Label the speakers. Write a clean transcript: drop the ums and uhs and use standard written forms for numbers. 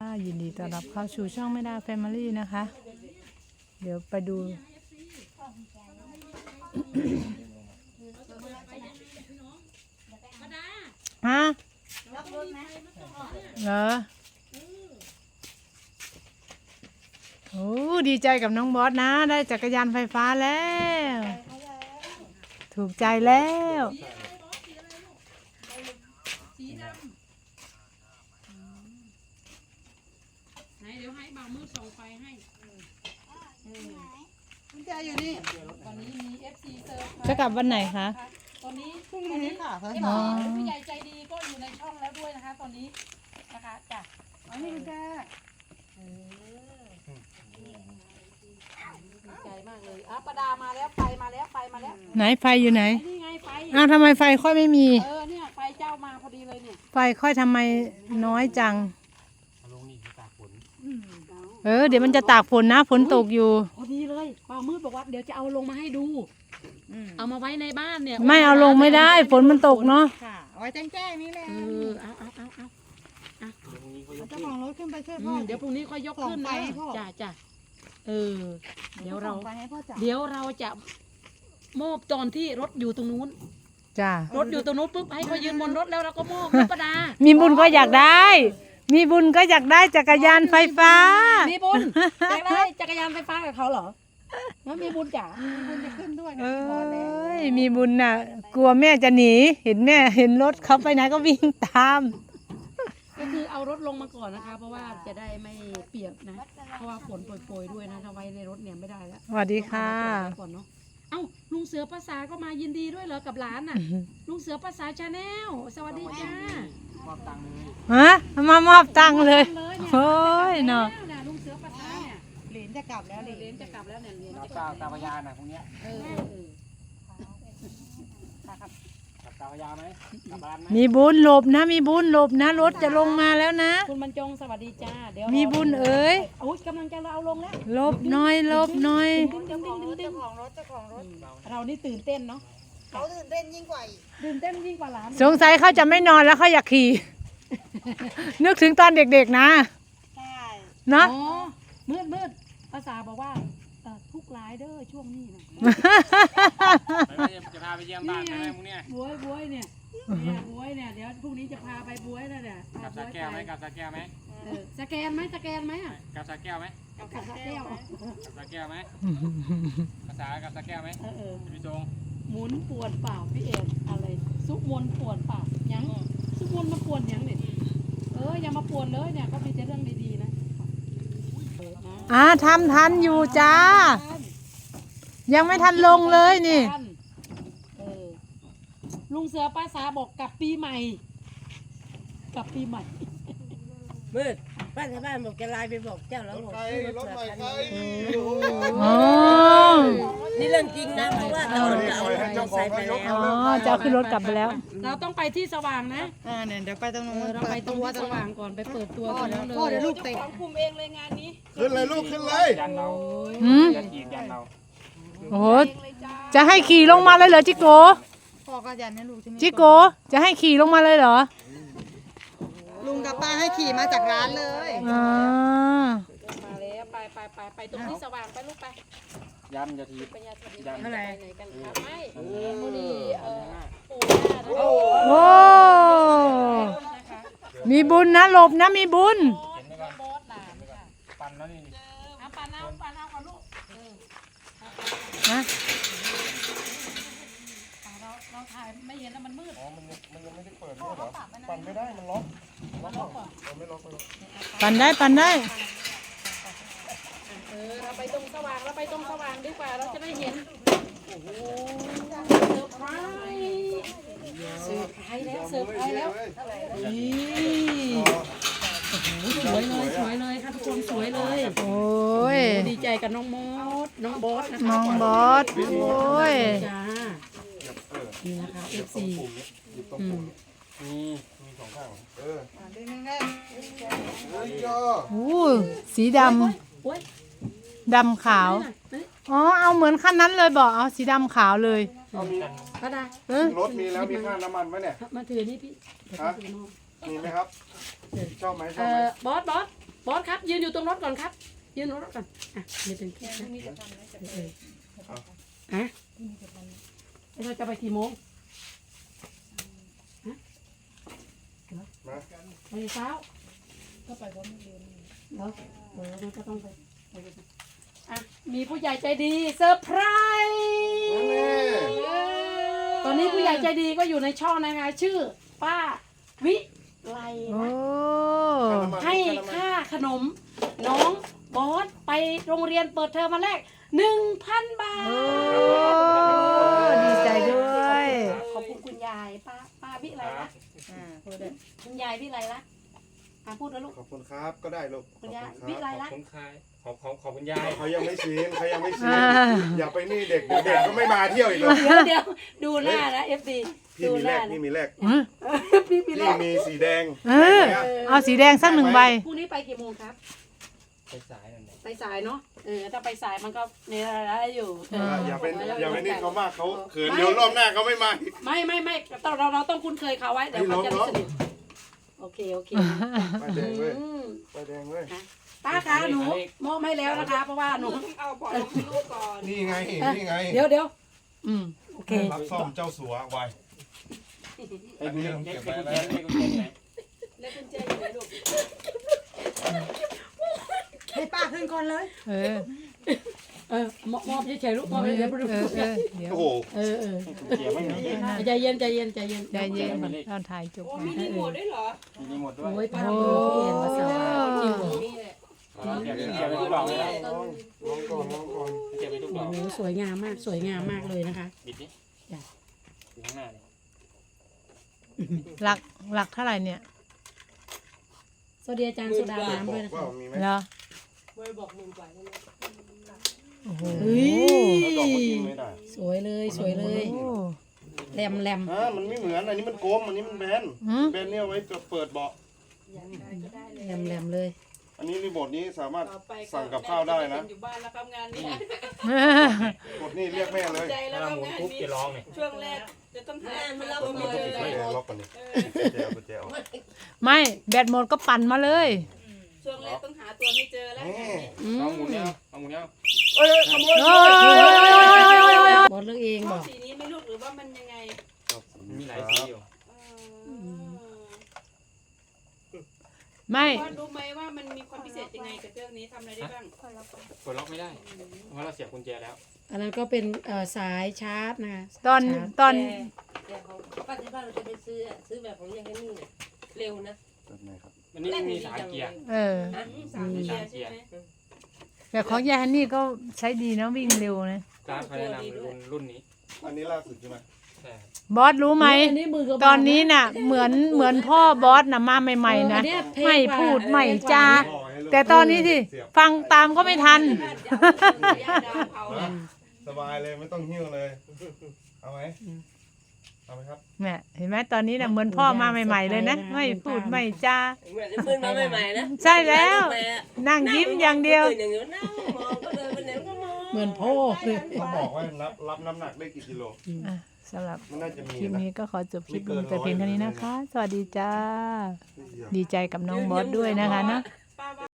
Speaker 1: ยินดีต้อนรับเข้าสู่ช่องไม่ดาแฟมิลี่นะคะ เดี๋ยวไปดู ฮะเหรอโอ้ดีใจกับน้องบอสนะ ได้จักรยานไฟฟ้าแล้ว ถูกใจแล้ว
Speaker 2: ไหนเดี๋ยวให้บ่าวมือส่งไฟให้
Speaker 3: กุญแจอยู่นี่
Speaker 2: ตอนนี้มี FC เซิร์ฟ
Speaker 1: จะกลับวันไหนคะ
Speaker 2: ตอนนี้
Speaker 3: พรุ่งนี้ค่ะ
Speaker 2: เอฟผู้ใหญ่ใจดีก็อยู่ในช่องแล้วด้วยนะคะตอนนี้นะคะจ้ะ
Speaker 3: อันนี้กุญแจ
Speaker 2: ดีใจมากเลยประดามาแล้วไฟมาแล้วไฟมาแล้ว
Speaker 1: ไหนไฟอยู่ไหน
Speaker 2: นี่ไงไฟ
Speaker 1: อ้าวทำไมไฟค่อยไม่มี
Speaker 2: เนี่ยไฟเจ้ามาพอดีเลยเนี่ย
Speaker 1: ไฟค่อยทำไมน้อยจัง
Speaker 4: ลงนี่ตากฝน
Speaker 1: เดี๋ยวมันจะตากฝนนะฝนตกอยู่
Speaker 2: พอดีเลยบ่าวมืดบอกว่าเดี๋ยวจะเอาลงมาให้ดูเอามาไว้ในบ้านเนี่ย
Speaker 1: ไม่เอาลงไม่ได้ฝนมันตกเนาะ
Speaker 3: ค่ะเอาไว้แจ้งๆนี่แหละ
Speaker 2: เอา
Speaker 4: ตรงนี้เขายก
Speaker 3: เจ้าของรถขึ้นไปช่วยพ่อ
Speaker 2: เดี๋ยวพรุ่งนี้ค่อยยกขึ้น
Speaker 3: ส่งไฟ
Speaker 2: นะ
Speaker 3: ให้พ่อ
Speaker 2: จ้ะเดี๋ยวเรา
Speaker 3: ส่งไปให้พ่อจับ
Speaker 2: เดี๋ยวเราจะมอบตอนที่รถอยู่ตรงนู้น
Speaker 1: จ้าร
Speaker 2: ถอยู่ตรงนู้นปุ๊บให้เขายืนบนรถแล้วเราก็มอบรถประดา
Speaker 1: มีบุญก็อยากได้ มีบุญก็อยากได้จักรยานไฟฟ้า
Speaker 2: มีบุญอยากได้จักรยานไฟฟ้ากับเขาเหรอแล้วมีบุญจ๋า
Speaker 3: คุณจะขึ้นด้วยนะ
Speaker 1: เอ้
Speaker 3: พอแล้ว
Speaker 1: ยมีบุญน่ะ กลัวแม่จะหนี เห็นแม่เห็นรถเขาไปไหนก็วิ่งตาม
Speaker 2: ก็คือเอารถลงมาก่อนนะคะ เพราะว่าจะได้ไม่เปียกนะ เพราะว่าฝนโปรยๆด้วยนะถ้าไว้ในรถเนี่ยไม่ได้แล้ว
Speaker 1: สวัสดีค่ะ
Speaker 2: เอาไว้ก่อนเนาะเอ้าลุงเสือภาษาก็มายินดีด้วยเหรอกับหลานน่ะลุงเสือภาษาชาแนลสวัสดีจ้า
Speaker 4: มอบตังค์เลย
Speaker 1: ฮะมามอบตังค์เลย โอ้ยเนาะ
Speaker 2: ลุงเสือภาษาเนี่ย
Speaker 3: เหรนจะกลับแล้วเหร
Speaker 2: เหรีย
Speaker 3: น
Speaker 2: ญจะกลับแล้วเนี่ยเหรียญ
Speaker 4: รับ
Speaker 2: จะกลั
Speaker 4: ตา
Speaker 2: บ
Speaker 4: พยานนะพวกเนี้ย
Speaker 2: เออ
Speaker 4: กับตาพยานไหมกับบ้านไหม
Speaker 1: มีบุญหลบนะ มีบุญหลบนะ รถจะลงมาแล้วนะ
Speaker 2: คุณบรรจงสวัสดีจ้าเดี๋ยว
Speaker 1: มีบุญเอ๋ย
Speaker 2: โอ้ยกำลังจะเอาลงแล้ว
Speaker 1: หลบหน้อยหลบหน้อย
Speaker 3: เจ้าของรถเจ้าของรถเจ้าของรถ
Speaker 2: เรานี่ตื่นเต้นเนาะ
Speaker 3: เขาตื่นเต้นยิ่งกว่าอีก
Speaker 2: ตื่นเต้นยิ่งกว่าหลาน
Speaker 1: สงสัยเขาจะไม่นอนแล้วเขาอยากขี่ นึกถึงตอนเด็กๆนะ
Speaker 3: ใช่
Speaker 1: เนาะ
Speaker 2: อ๋อมืดภาษาบอกว่าทุกหลายเด้อช่วงนี้นะ
Speaker 4: จะพาไปเยี่ยมบ้านไหมพวกเนี้ย
Speaker 2: บวยเนี่ยบวยเนี่ยเดี๋ยวพรุ่งนี้จะพาไปบวยแล้วเนี่ย
Speaker 4: กับสาแก้วไหมกับสาแก้วไหม
Speaker 2: สแกนไหมอ่ะ
Speaker 4: กับสาแก้วไหม
Speaker 2: กับสแก้ว
Speaker 4: กับสาแก้วไหมภาษากับสาแก้วไหมพี่จง
Speaker 2: หมุนปวดเปล่าพี่เอ็นอะไรซุกมนปวดเปล่ายังซุกมนมาปวดยังเนี่ยอย่ามาปวดเลยเนี่ยก็มีแต่เรื่องดีๆนะ
Speaker 1: ทำทันอยู่จ้า ยังไม่ทันลงเลยนี่
Speaker 2: ลุงเสือป้าสาบอกกลับปีใหม่กลับปีใหม่
Speaker 5: มืดป้าชาวบ้านบอกจะไลน์ไปบอกเจ้าแล้วบอกซื้อรถใหม่ใคร
Speaker 1: อ๋อ
Speaker 5: นี่เรื่องจริงนะเพราะว่าเราเอารถมอเตอร์ไซค์ไปแล้ว
Speaker 1: อ๋อจะเอาขึ้นรถกลับไปแล้ว
Speaker 2: เราต้องไปที่สว่างนะ
Speaker 3: เนี่ยเดี๋ยวไปตรงนู้น
Speaker 2: เราไปตรงที่สว่างก่อนไปเปิดตัวกันแล้วเลย
Speaker 3: พ่อเดี๋ยวลูกเตะ
Speaker 2: ของคุมเองเลยงานนี้
Speaker 6: ขึ้นเลยลูกขึ้นเลย
Speaker 4: ยันเรา
Speaker 1: หืม
Speaker 4: ยันกีดยันเรา
Speaker 1: โอ้โห จะให้ขี่ลงมาเลยเหรอจิโก
Speaker 3: พ่อก็ยันให้ลูกใช่ไหม
Speaker 1: จิโก จะให้ขี่ลงมาเลยเหรอ
Speaker 3: ลุงกับป้าให้ขี่มาจากร้านเลย
Speaker 1: อ่า
Speaker 2: มาแล้วไปตรงที่สว่างไปลูกไป
Speaker 4: ยันจะที
Speaker 2: ไปยาสวัสดี
Speaker 4: ยัน
Speaker 2: ไปไหนกันครับไม่พอดีปู่ย่านะ
Speaker 1: โอ้ มีบุญนะหลบนะมีบุญ
Speaker 2: บอสหลานค่ะ
Speaker 4: ปั่นแล้วนี่
Speaker 2: เอาปานเอาก่อนลูก
Speaker 1: ฮะ
Speaker 2: เราถ่ายไม่เห็นแล้วมันมืด
Speaker 6: อ๋อมันยังไม่ได้เปิดด้วยเหรอปั่นไม่ได้มันล็อกไม่ล็อกเลย
Speaker 1: ปั่นได้ปั่นได้
Speaker 2: เราไปตรงสว่างดีกว่าเราจะได้เห็นโอ้โหเซอร์ไพรส์แล้วนี่สวยเลยค่ะทุกคนสวยเลย
Speaker 1: โอ้ย
Speaker 2: ดีใจกับน้องบอสนะคะ
Speaker 1: น้องบอส โอ้ย
Speaker 2: จ้านี่นะคะ FC
Speaker 4: มีสองข้าง
Speaker 3: ดึงนึงได้
Speaker 1: อู้สีด
Speaker 2: โอ้ย
Speaker 1: ำ ดำขาว อ๋อ เอาเหมือนขั้นนั้นเลยบอก เอาสีดำขาวเลย
Speaker 2: พระดาร
Speaker 6: ถมีแล้วมีค่าน้ำมันไหมเนี่ย
Speaker 2: มาถือนี่พี่
Speaker 6: ฮะมีไหมครับชอบไหมชอบไหม
Speaker 2: บออสครับยืนอยู่ตรงรถก่อนครับยืนตรงรถก่อนอ่ะยืนเป็นพี่นะอ่ะเราจะไปกี่โมงฮะไปเช้าก็ไปพร้อมเรียนเหรอมันก็ต้องไปอ่ะมีผู้ใหญ่ใจดีเซอร์ไพรส์ตอนนี้ผู้ใหญ่ใจดีก็อยู่ในช่องนะคะชื่อป้าวิไล
Speaker 1: โอ้
Speaker 2: ให้ค่าขนมน้องบอสไปโรงเรียนเปิดเทอมมาแรก 1,000 บาท
Speaker 1: โอ้ดีใจด้วย
Speaker 2: ขอบคุณคุณยายป้าวิไลละพูดเลยคุณยายวิไลละพูดนะลูก
Speaker 6: ขอบคุณครับก็ได้ลูก
Speaker 2: คุณยายวิไล
Speaker 4: ขอ
Speaker 2: ละ
Speaker 4: บคุณค่ะขอบคุณยาย
Speaker 6: เขายังไม่ชินอย่าไปนี่เด็กก็ไม่มาเที่ยวอีกเลย
Speaker 2: เดี๋ยวดูหน้านะเอฟซี
Speaker 6: พี่
Speaker 2: ดู
Speaker 6: มี
Speaker 2: ห
Speaker 6: แร
Speaker 2: น้าก
Speaker 6: พี่มีแรก
Speaker 2: พี่
Speaker 6: พี่
Speaker 2: แรก
Speaker 6: มีสีแดง
Speaker 1: เอาสีแดงสัก1 ใบ
Speaker 2: พรุ่งนี้ไปกี่โมงครับ
Speaker 4: ไปสายนั่นแหละ
Speaker 2: ไปสายเนาะถ้าไปสายมันก็เนี่ยได้อยู่
Speaker 6: อย่าไปนี่เขามากเขาเขินเดี๋ยวรอบหน้าเขาไม่มา
Speaker 2: ไม่เราต้องคุ้นเคยเขาไว้เดี๋ยวเขาจะสนิทโอเค
Speaker 6: ไปแดงเว้ยไปแดงเว้ย
Speaker 2: ป้าคะหนูมอบให้แล้วนะคะ เพราะว่าหนู
Speaker 6: นี่ไงนี่ไง
Speaker 2: เดี๋ยวโอเค
Speaker 6: รับซ่อมเจ้าสัวไว
Speaker 4: ไอ้กุญแจไอ้กุญแจไอ้กุญแจไหน
Speaker 2: แล้วกุญแจอยู่ไหนลูก
Speaker 3: ให้ป้าขึ้นก่อนเลย
Speaker 2: มอบเฉยๆลูกมอบเฉยๆเดี๋ยว
Speaker 1: เดี๋ยว
Speaker 6: โอ้โห
Speaker 4: กุญแจไม่มี
Speaker 2: ใจเย็น
Speaker 1: ใจเย็นเราถ่ายจบ
Speaker 2: มีรีโมทด้วยเหรอ
Speaker 4: มีรีโมทด้วย
Speaker 2: โอ้ยป้าโปรพี่เอ็นมาสาวจริง
Speaker 4: เก็บไปทุกดอกเลยนะ
Speaker 6: ลองก่อน
Speaker 4: เก็บไปทุกดอก
Speaker 2: โอ้สวยงามมากเลยนะคะ
Speaker 4: บิดดิอยู่ข้างหน้าเลย
Speaker 1: หลักเท่าไหร่เนี่ย
Speaker 2: สวัสดีอาจารย์สุดาน้ำด้วยนะ
Speaker 6: ว่า
Speaker 2: คะ
Speaker 6: มีไหม
Speaker 1: เหรอ
Speaker 5: เว้ยบอกมึงกว่าแล้วนะ
Speaker 1: โอ้โห
Speaker 2: เฮ้ย
Speaker 6: ดอกมันกินไม่ได้
Speaker 2: สวยเลย
Speaker 1: โอ้
Speaker 2: แหลม
Speaker 6: มันไม่เหมือนอันนี้มันโกลมอันนี้มันแบน
Speaker 1: หืม
Speaker 6: แบนเนี่ยไว้เปิดเบาะ
Speaker 2: แหลมเลย
Speaker 6: อันนี้รีโมทนี้สามารถ
Speaker 5: ต่อไป
Speaker 6: สั่งกับข้าวได้นะ
Speaker 5: อยู่บ้านแล้วครับงานนี้
Speaker 6: กดนี่เรียกแม่เลย
Speaker 5: ใจแล้ว
Speaker 4: ถ้า
Speaker 5: ครับ
Speaker 4: หมุน
Speaker 5: งาน
Speaker 4: ปุ๊บ
Speaker 5: นี้
Speaker 4: จะร้องเนี่ย
Speaker 5: ช่วงแรกจะต้องหาตัว
Speaker 6: ไม่
Speaker 5: ไม่เจอเล
Speaker 6: ไม่
Speaker 5: ย
Speaker 6: ล็อกก่อนนี่กุญแจเอา
Speaker 1: ไม่แบตหมดก็ปั่นมาเลย
Speaker 5: ช่วงแรกต้องหาตัวไม่เจอแล้ว
Speaker 4: เอาหมุนเนี่ยเอาหมุนเนี่ย
Speaker 1: โอ้ย
Speaker 2: บอสเลือกเอง
Speaker 5: ช
Speaker 2: บ
Speaker 5: อ
Speaker 2: อบ ก
Speaker 5: สีนี้ไม่รู้หรือว่ามันยังไง
Speaker 4: มีหลายสีอยู่
Speaker 1: ไม่
Speaker 5: ว่ารู้ไหมว่ามันมีความพิเศษยังไงกับเครื่องนี้ทำอะไรได้บ้าง
Speaker 4: กดล็อกไม่ได้เพราะเราเสียบกุญแจแล้ว
Speaker 2: อันนั้นก็เป็นสายชาร์จนะคะ
Speaker 1: ตอน
Speaker 5: แต่ของป้าที่บ้านเราจะไปซื้อแบบของยังไงนี่เร็วนะ
Speaker 4: มันนี่มี3เกียร์
Speaker 5: 3 เกียร์ใช่ไหม
Speaker 1: แต่ของยายฮันนี่ก็ใช้ดีนะวิ่งเร็วนะ
Speaker 4: ร้านเขาแนะนำรุ่นนี้
Speaker 6: อันนี้ล่าสุดใช่ไหม
Speaker 4: ใช่
Speaker 1: บอสรู้ไหม
Speaker 2: อันนี้มือก็
Speaker 1: ตอนนี้น่ะเหมือนพ่อบอสน่ะมาใหม่ๆนะไม่พูดไม่จาแต่ตอนนี้สิฟังตามก็ไม่ทัน
Speaker 6: สบายเลยไม่ต้องหิ้วเลย เอาไหมเอาไหมครับ
Speaker 1: แม่เห็นไหมตอนนี้น่ะเหมือนพ่อมาใหม่ๆเลยนะไม่พูดไม่จา
Speaker 5: เหมือนเพิ่งมาใหม่ๆนะ
Speaker 1: ใช่แล้ว นั่งยิ้มอย่างเดียว
Speaker 5: อย่างเดียวนั่งมองก็เดินไปไหนก็มอง
Speaker 2: เหมือนพ่อเลย
Speaker 6: เขาบอกว่ารับน้ำหนักได้กี่กิโล
Speaker 1: อ่ะสำหรับ
Speaker 6: มันน่าจะมี
Speaker 1: คลิป
Speaker 6: นะ
Speaker 1: นี้ก็ขอจบคลิปลงแต่เพียงเท่านี้นะคะ สวัสดีจ้า ดีใจกับน้องบอสด้วยนะคะเนาะ